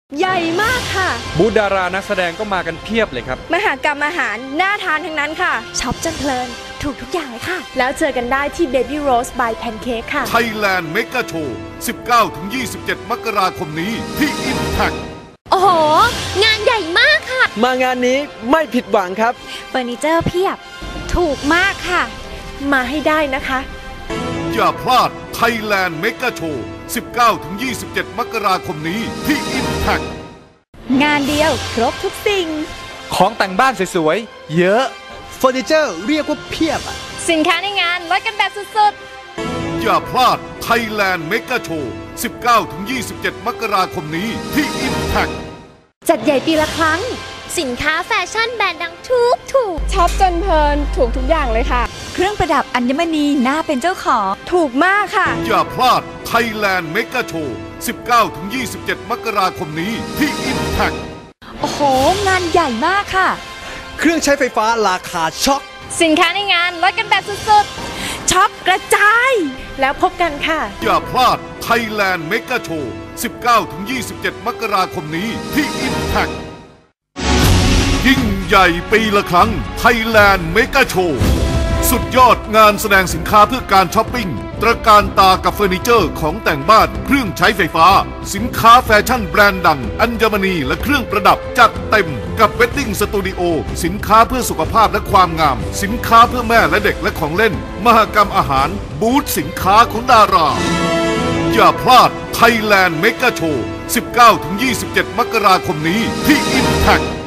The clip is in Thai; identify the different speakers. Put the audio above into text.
Speaker 1: ใหญ่มากค่ะ
Speaker 2: บูธดารานักแสดงก็มากันเพียบเลยครับ
Speaker 1: มหกรรมอาหารน่าทานทั้งนั้นค่ะช็อปจนเพลินถูกทุกอย่างเลยค่ะแล้วเจอกันได้ที่ Baby Rose by Pancake ค่ะ
Speaker 3: Thailand Mega Show 19-27 มกราคมนี้ที่ Impact
Speaker 4: โอ้โหงานใหญ่มากค่ะ
Speaker 5: มางานนี้ไม่ผิดหวังครับ
Speaker 4: เฟอร์นิเจอร์เพียบถูกมากค่ะ
Speaker 1: มาให้ได้นะคะ
Speaker 3: อย่าพลาด Thailand Mega Show 19-27 มกราคมนี้ที่ Impact
Speaker 1: งานเดียวครบทุกสิ่ง
Speaker 2: ของแต่งบ้านสวยๆเยอะ
Speaker 5: เฟอร์นิเจอร์เรียกว่าเพียบ
Speaker 4: สินค้าในงานลดกันแบบสุด
Speaker 3: ๆอย่าพลาด Thailand Mega Show 19-27 มกราคมนี้ที่ Impact
Speaker 1: จัดใหญ่ปีละครั้ง
Speaker 4: สินค้าแฟชั่นแบรนด์ดังถูก
Speaker 1: ช็อปจนเพลินถูกทุกอย่างเลยค่ะ
Speaker 6: เครื่องประดับอัญมณีน่าเป็นเจ้าของ
Speaker 1: ถูกมากค่ะ
Speaker 3: อย่าพลาด Thailand Mega Show 19-27 มกราคมนี้ที่ Impact
Speaker 6: โอ้โหงานใหญ่มากค่ะ
Speaker 5: เครื่องใช้ไฟฟ้าราคาช็อค
Speaker 4: สินค้าในงานลดกันแบบสุด
Speaker 1: ๆช็อปกระจายแล้วพบกันค่ะ
Speaker 3: อย่าพลาด Thailand Mega Show 19-27 มกราคมนี้ที่ Impact ยิ่งใหญ่ปีละครั้ง Thailand Mega Show สุดยอดงานแสดงสินค้าเพื่อการช้อปปิ้งตระการตากับเฟอร์นิเจอร์ของแต่งบ้านเครื่องใช้ไฟฟ้าสินค้าแฟชั่นแบรนด์ดังอัญมณีและเครื่องประดับจัดเต็มกับเวดดิ้งสตูดิโอสินค้าเพื่อสุขภาพและความงามสินค้าเพื่อแม่และเด็กและของเล่นมหกรรมอาหารบูธสินค้าของดาราอย่าพลาด Thailand Mega Show 19-27 มกราคมนี้ที่ Impact